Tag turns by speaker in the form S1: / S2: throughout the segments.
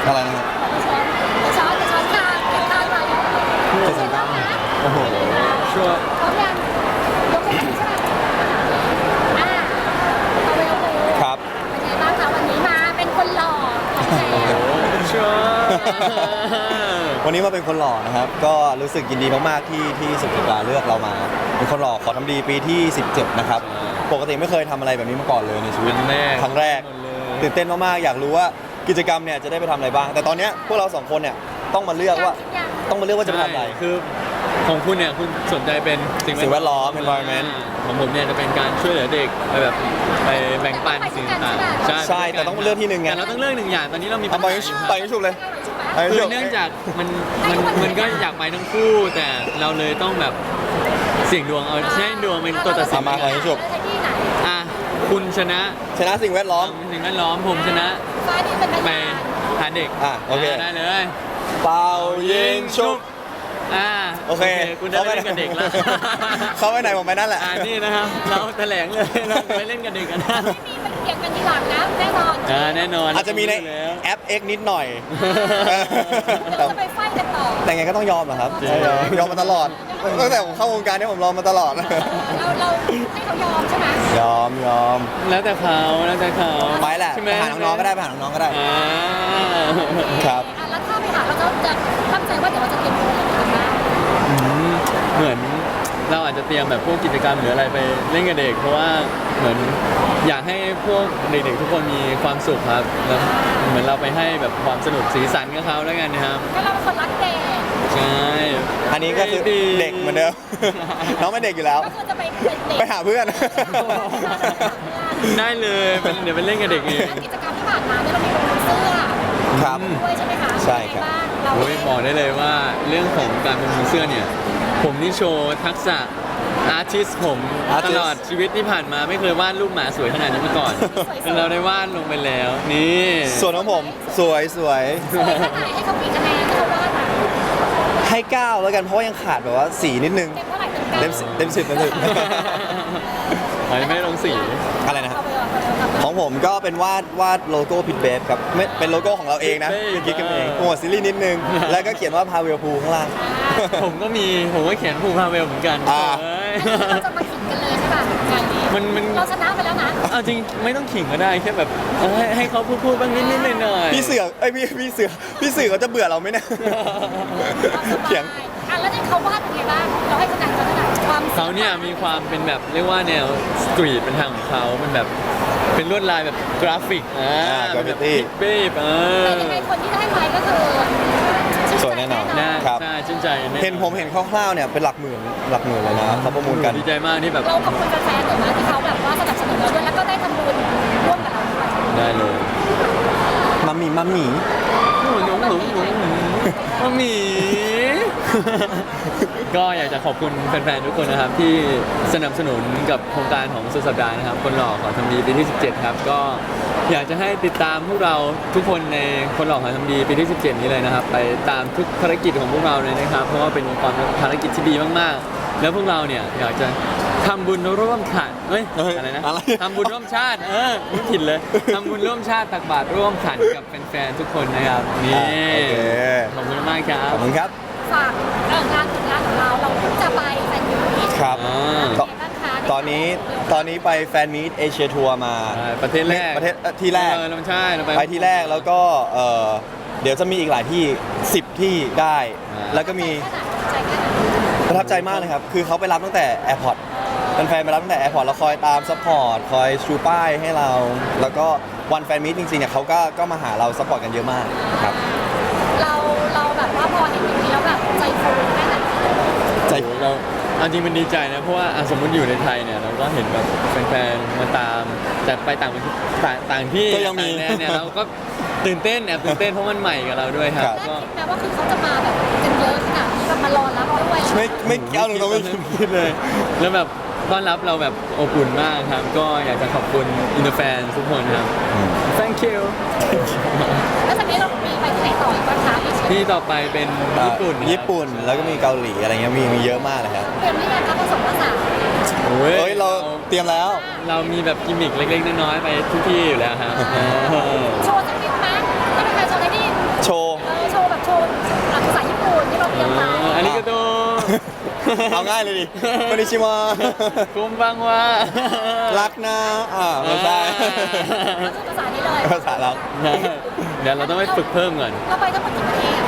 S1: อะไรนะครับ
S2: ช้อนข้างเก็บข้างไว้
S1: โอ้โห
S3: ชัวร์
S2: พร้อมยังยกขึ้นใช่ไหมเอาไปเอาไป
S1: ครับ
S2: เป็นไงบ้างคะวันนี้มาเป็นคนหล่อของแท้
S3: ชัวร์
S1: วันนี้มาเป็นคนหล่อนะครับก็รู้สึกยินดีมากๆที่สุภาเลือกเรามาเป็นคนหล่อขอทำดีปีที่ 17นะครับปกติไม่เคยทำอะไรแบบนี้มาก่อนเลยในชีวิตครั้งแรกตื่นเต้นมากๆอยากรู้ว่ากิจกรรมเนี่ยจะได้ไปทำอะไรบ้างแต่ตอนนี้พวกเราสองคนเนี่ยต้องมาเลือกว่าจะไปทำอะไร
S3: คือของคุณเนี่ยคุณสนใจเป็น
S1: สิ่งแวดล้อม environment
S3: ของผมเนี่ยจะเป็นการช่วยเหลือเด็กไปแบบไปแบ่งปันสิ่งต่างๆ
S1: ใช่แต่ต้องเลือกที่หนึ่งไง
S3: แต่เราต้องเลือกหนึ่งอย่างตอนนี้เรามีปัญ
S1: ไป
S3: หาอยู่
S1: ไปชุบเลยไป
S3: คื
S1: ชุ
S3: อบ เนื่องจากมันก็อยากไปทั้งคู่แต่เราเลยต้องแบบเสี่ยงดวงเอาใช้ดวงเป็นตัวตัดสิน
S1: มาไปชุบ
S2: ที่ไหน
S3: อ่ะคุณชนะ
S1: ชนะสิ่งแวดล้อม
S3: สิ่งแวดล้อมผมชนะ
S2: ฟ้านี่เป็น
S3: ไปหาเด็ก
S1: โอเค
S3: ได้เลย
S1: เป่ายิงชุบ โอเค
S3: คุณได้เล่นกับเด็กแล้ว
S1: เขาไปไหนผมไปนั่นแหละ
S3: นี่นะครับเราแถลงเลยเราไปเล่นกับเด็กกันนะ
S2: ไม่มีมันเกี่ยงกันทีหลังนะแน่นอน
S3: แน่นอน
S1: อาจจะมีในแอป X นิดหน่อย
S2: เราจะไปไฟกันต่อ
S1: แต่ไงก็ต้องยอมเหรอครับยอมมาตลอดตั้งแต่ผมเข้าวงการเนี่ยผมรอมาตลอด
S2: เราให้เขายอมใช่ไหม
S1: ยอม
S3: แล้วแต่เขา
S1: ไปแหละ
S3: ใช่
S1: ไปหาน้องๆก็ได้ไปหาน้องๆก็ได้ ครับ
S2: แล้วถ้าไปหาเราจะตั้งใจว่าเดี๋ยวเราจะเตรียมตัวอะไรกันบ้าง
S3: เหมือนเราอาจจะเตรียมแบบพวกกิจกรรมหรืออะไรไปเล่นกับเด็ก เพราะว่าเหมือนอยากให้พวกเด็กๆทุกคนมีความสุขครับแล้วเหมือนเราไปให้แบบความสนุกสีสันกับเขาแล้วกันนะครับ
S2: ก็เราเป็นคนรักเด็ก
S3: ใช่
S1: อันนี้ก็คือเด็กเหมือนเดิม น้องเป็นเด็กอยู่แล้ว
S2: ก็คือจะไปเป็นเด็ก
S1: ไปหาเพื่อน
S3: ได้เลยเดี๋ยวไปเล่นกับเด็กเอง
S2: กิจกรรมที่ผ่านมาเนี่ยเรามีลงเสื้อ
S1: ครับ
S2: ด้วยใช่ไหมคะ
S1: ใช่ครับ
S2: เรา
S3: โอ้ยบอกได้เลยว่าเรื่องของการประมูลเสื้อเนี่ยผมนี่โชว์ทักษะอาร์ติสผมตลอดชีวิตที่ผ่านมาไม่เคยวาดรูปหมาสวยขนาดนี้มาก่อนแต่เราได้วาดลงไปแล้วนี่
S1: ส่วนของผมสวย
S2: สวยแค่ไหนให้เขาปีคะแนนที่เขาวาดมา
S1: ให้9แล้วกันเพราะว่ายังขาดแบบว่าสีนิดนึง
S2: เต็มเท่าไหร่เต็ม
S1: เต็ม10
S3: อันนี้ไม่ได้ลงสี
S1: อะไรนะครับ
S2: เอาไปเอาไปเอาไป
S1: ของผมก็เป็นวาดโลโก้พิทเบฟครับไม่เป็นโลโก้ของเราเองนะเป็นกิ๊กกันเองโปรโมทซีรีส์นิดนึง แล้วก็เขียนว่าพาเวลพูข้างล่าง
S3: ผมก็เขียนภูพาเวลเหมือนกัน
S1: อ่า
S3: เอ้ย
S2: เราจะมาขิงกันเลยใช่ป่ะงานนี้
S3: มัน
S2: เราชนะไปแล้วนะ
S3: เอาจริงไม่ต้องขิงก็ได้แค่แบบให้เขาพูดบ้างนิดหน่อยๆ
S1: พี่เสือพี่เสือเขาจะเบื่อเราไหมเนี่ย เถียง
S2: แล้วเนี่ยเขาวาดเป็นไงบ้างเราให้คะแนนเขาเท่าไหร่ความ
S3: เขาเนี่ยมีความเป็นแบบเรียกว่าแนวสตรีทเป็นทางของเขาเป็นแบบเป็นลวดลายแบบกราฟิกเป็นแบบ
S1: graffiti
S3: เป๊บ
S2: แต่ยังไงคนที่ได้ไปก็คือ
S1: สวยแน่นอน ครับ
S3: ใช่ชื่นใจแอ
S1: เห็นคร่าวๆเนี่ยเป็นหลักหมื่นเลยนะเขาประมูลกัน
S3: ดีใจมากที่แบบ
S2: เราขอบคุณแฟนๆหน่อยนะที่เขาแบบว่าสนับสนุนเราด้วยแล้วก็ได้ทำบุญร่วมกับเราด้วย
S3: ได้เลย
S1: มัมมี่
S3: หนูหมี ก็อยากจะขอบคุณแฟนๆทุกคนนะครับที่สนับสนุนกับโครงการของสุดสัปดาห์นะครับคนหล่อขอทำดีปีที่ 17 ครับก็อยากจะให้ติดตามพวกเราทุกคนในคนหล่อขอทำดีปีที่ 17 นี้เลยนะครับไปตามทุกภารกิจของพวกเราเลยนะครับเพราะว่าเป็นความภารกิจที่ดีมากๆ แล้วพวกเราเนี่ยอยากจะทำบุญร่วมขันอะไรนะทำบุญร่วมชาติไม่ผิดเลยทำบุญร่วมชาติตักบาตรร่วมขันกับแฟนๆทุกคนนะครับนี่
S1: โอเค
S3: ขอบคุณมากครั
S1: ข
S3: บ
S1: อบคุณครับ
S2: ฝากงานผลงานของเราเราเพิ่งจะไปแฟนยูนิต
S1: ครับ
S3: อ่า
S1: ตอนนี้ไปแฟนมีตเอเชียทัวร์มา
S3: ประเทศแรก
S1: ที่แรก
S3: เราใช่เรา
S1: ไปที่แรกแล้วก็เดี๋ยวจะมีอีกหลายที่10ที่ได้ แล้วก็มีประทับใจมากเลยครับ คือเขาไปรับตั้งแต่แอร์พอร์ตแฟนๆไปรับตั้งแต่แอร์พอร์ตแล้วคอยตามซัพพอร์ตคอยชูป้ายให้เรา แล้วก็วันแฟนมีตจริงๆเนี่ยเขาก็มาหาเราซัพพอร์ตกันเยอะมากครับ
S2: เราแบบว่าพอเห็นอย่างนี้แล้วแบบใจฟูแค่ไหน
S1: ใจ
S3: เราเอาจริงมันดีใจนะเพราะว่าสมมติอยู่ในไทยเนี่ยเราก็เห็นแบบแฟนๆมาตามแต่ไปต่างประเทศต่างที่
S1: ก็ยังมี
S3: ต่าแดนเนี่ยเราก็ตื่นเต้นเพราะมันใหม่กับเราด้วยครับ
S1: ครับ
S3: ก็
S2: แม้ว่าคือเขาจะมาแบบกันเยอะขนาดนี้แบบมารอรับด้วย
S1: ไม่เอาตรงๆไม่
S3: คิดเลย แล้วแบบต้อนรับเราแบบอบอุ่นมากครับ ก็อยากจะขอบคุณอินเตอร์แฟนทุกคนครับ thank you
S2: แล้วจากนี้เรามีไปที่ไหนต่ออีกบ้างคะอีกชิ้น
S3: ที่ต่อไปเป็นญี่ปุ่นนะครับ
S1: ญี่ปุ่นแล้วก็มีเกาหลีอะไรเงี้ยมีเยอะมากเลยครับ
S2: เตรียมหรือยังคะผสมผสาน
S3: โอ้
S1: เฮ้ยเราเตรียมแล้ว
S3: เรามีแบบกิมมิคเล็กๆน้อยๆไปทุกที่อยู่แล้วครับ
S2: โชว์สักนิดไหมถ้าเป็นใครโชว์ได้ที่
S1: เอาง่ายเลยดิคอนนิชิวะ
S3: คุมบังว่า
S1: รักนะไม่ใช่
S2: ก็คือภาษานี้เลย
S1: ภาษาเรา
S3: เดี๋ยวเราต้องไปฝึกเพิ่มก่อน
S2: เราไปทั้งหมดกี่ประเทศ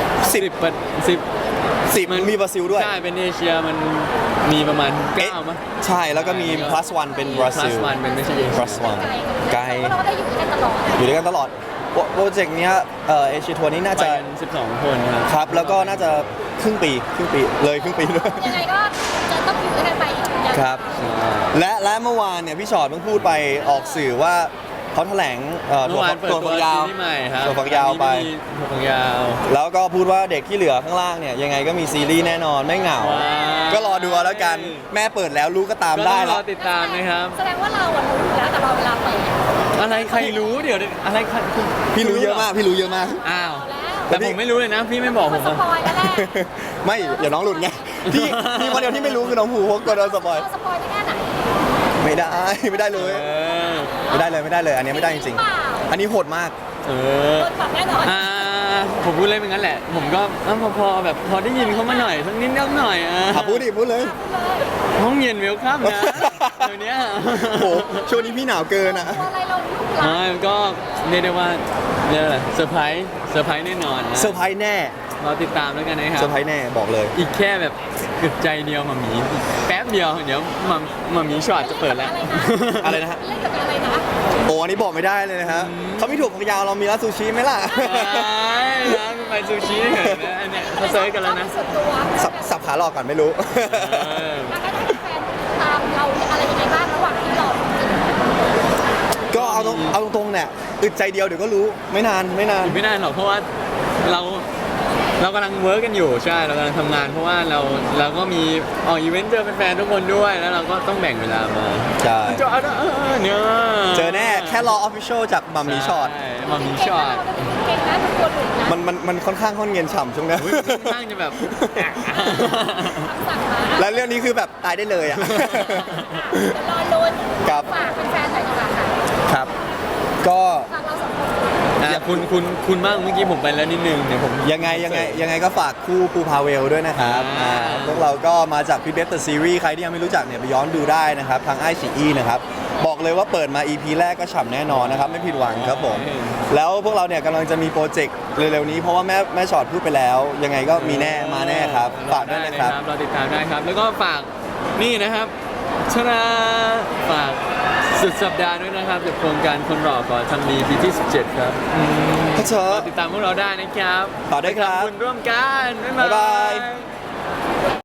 S3: 10
S1: มันมีบราซิลด้วย
S3: ใช่เป็นเอเชียมันมีประมาณ9มั้ย
S1: ใช่แล้วก็มี plus one เป็นบราซิล
S3: plus one เป็นไม่ใช่เอเชีย
S1: plus one ไกล
S2: เพราะเราก็ได้อยู่ด้วยกันตลอด
S1: อยู่ด้วยกันตลอดโปรเจกต์เนี้ยเอเชียทัวร์นี้น่า
S3: ไป
S1: จะ
S3: กัน12 คนครับ
S1: ครับแล้วก็น่าจะครึ่งปีเลยครึ่งปีด้วย
S2: ยังไงก็จะต้องอยู่ด้วยกันไปอีกยาว
S1: ครับ และเมื่อวานเนี่ยพี่ชอตเพิ่งพูดไปออกสื่อว่าเขาแถลง
S3: เมื่อวานเปิด
S1: ถั่ว
S3: ตัว
S1: ฝักยาว
S3: ซีรีส์ใหม่ครับ
S1: ถั่วฝักยาวไป
S3: ถั่วฝักยาว
S1: แล้วก็พูดว่าเด็กที่เหลือข้างล่างเนี่ยยังไงก็มีซีรีส์แน่นอนไม่เหงา
S3: ว้าว
S1: ก็รอดูเอาแล้วกันแม่เปิดแล้วรู้ก็ตาม
S3: ก็
S1: ได้
S3: ต้องร
S1: แล้
S3: อ
S1: ว
S3: ติดตามนะครับ
S2: แสดงว่าเราอะรู้อยู่แล้วแต่เราเวลาเปิด
S3: อะไรใครรู้เดี๋ยวอะไรใคร
S1: พี่รู้เยอะมากพี่รู้เยอะมาก
S3: อ้าว
S2: แล้ว
S3: แต่ผมไม่รู้เลยนะ พี่ไม่บอกผ
S2: มัน
S3: ม
S2: ส
S3: อะ
S2: ปอยแล้วแหละ
S1: ไม่เดี๋ยวน้องหลุดไงที่มีคนเดียวที่ไม่รู้คือน้องภูเพราะกลัวโดนสปอย
S2: เราสปอยได้แค่ไหน
S1: ไม่ได้ไม่ได้เลย
S3: เออ
S1: ไม่ได้เลยอันนี้ไม่ได้จริงๆอันนี้โหดมาก
S3: เออ
S2: โดนปรับแน่นอน
S3: ผมพูดเลยเป็นงั้นแหละ ผมก็พอแบบพอได้ยินเขามาหน่อยสักนิดนิดหน่อย
S1: พูดดิพูดเลย
S3: ห้องเย็นเวลคัมนะเดี๋ยวนี้
S1: โอ้โหช่วงนี้พี่หนาวเกินอ่ะ
S2: ตัวอะไรเราลูกหลาน
S3: มันก็เรียกได้ว่าเรียกอะไรเซอร์ไพรส์แน่นอนนะ
S1: เซอร์ไพรส์แน่
S3: เราติดตามแล้วกันนะครั
S1: เซอบ ร์ไพรส์แน่บอกเลย
S3: อีกแค่แบบกึดใจเดียวมามีแป๊บเดียวเดี๋ยวมามีช็อตจะเปิดแล้ว
S1: อะไรนะฮะ
S2: เล่นกับอะไรนะ
S1: โอ้อันนี้บอกไม่ได้เลยนะฮะเขามีถั่วฝักยาวเรามีร้านซูชิไหมล่ะ
S3: ร้านไปซูชิเห็นนะอันเนี้ยเขาเซิร์ชกันแล้วนะ
S2: ส่วนตัว
S1: สับขาหลอกก่อนไม่รู้
S2: แล้วก็ได้แฟนตามเราอะไรยังไงบ้างระหว่างที่เรา
S1: ก็เอาตรงๆเนี่ยอึดใจเดียวเดี๋ยวก็รู้ไม่นาน
S3: อีกไม่นานหรอกเพราะว่าเรากำลังเวิร์กกันอยู่ใช่เรากำลังทำงานเพราะว่าเราก็มีออกอีเวนต์เจอแฟนๆทุกคนด้วยแล้วเราก็ต้องแบ่งเวลามา
S1: ใช่
S3: เนี่ย
S1: เจอแน่แค่รอออฟฟิเชียลจากมัมมี่ช็อต
S3: ใมัมมี่ช็อต
S2: เก่งนะทุกคนหลุดนะ
S1: มันค่อนข้างค่อนเงินฉ่ำช่วงนี้
S3: ค่อนข้างจะแบบ
S2: สั่งมา
S1: และเรื่องนี้คือแบบตายได้เลยอ่ะ
S2: เดี๋ยวรอลุ้น
S1: ครับ
S2: ฝากแฟนๆหน่อยดีกว่าค่ะ
S1: ครับ ก็
S2: ฝากเราสองคน
S3: คุณบ้างเมื่อกี้ผมไปแล้วนิดนึงเดี๋ยวผม
S1: ยังไงก็ฝากคู่ภูพาเวลด้วยนะครับ
S3: อ่า
S1: พวกเราก็มาจากพี่เบฟเดอะซีรีส์ใครที่ยังไม่รู้จักเนี่ยไปย้อนดูได้นะครับทางไอซีนะครับบอกเลยว่าเปิดมา EP แรกก็ฉ่ำแน่นอนนะครับไม่ผิดหวังครับผมแล้วพวกเราเนี่ยกำลังจะมีโปรเจกต์เร็วๆนี้เพราะว่าแม่ชอตพูดไปแล้ว ยังไงก็มีแน่มาแน่ครับฝากด้วยนะครับ
S3: เราติดตามได้ครับ แล้วก็ฝากนี่นะครับชนะฝากสุดสัปดาห์ด้วยนะครับกับโครงการคนหล่อก่อนทำดีปีที่ 17 ครับ
S1: ครับเชิญ
S3: ติดตามพวกเราได้นะครับ
S1: ฝากด้วยครับ
S3: ไปทำบุญร่วมกันบ๊าย
S1: บ๊าย
S3: บา
S1: บาย ย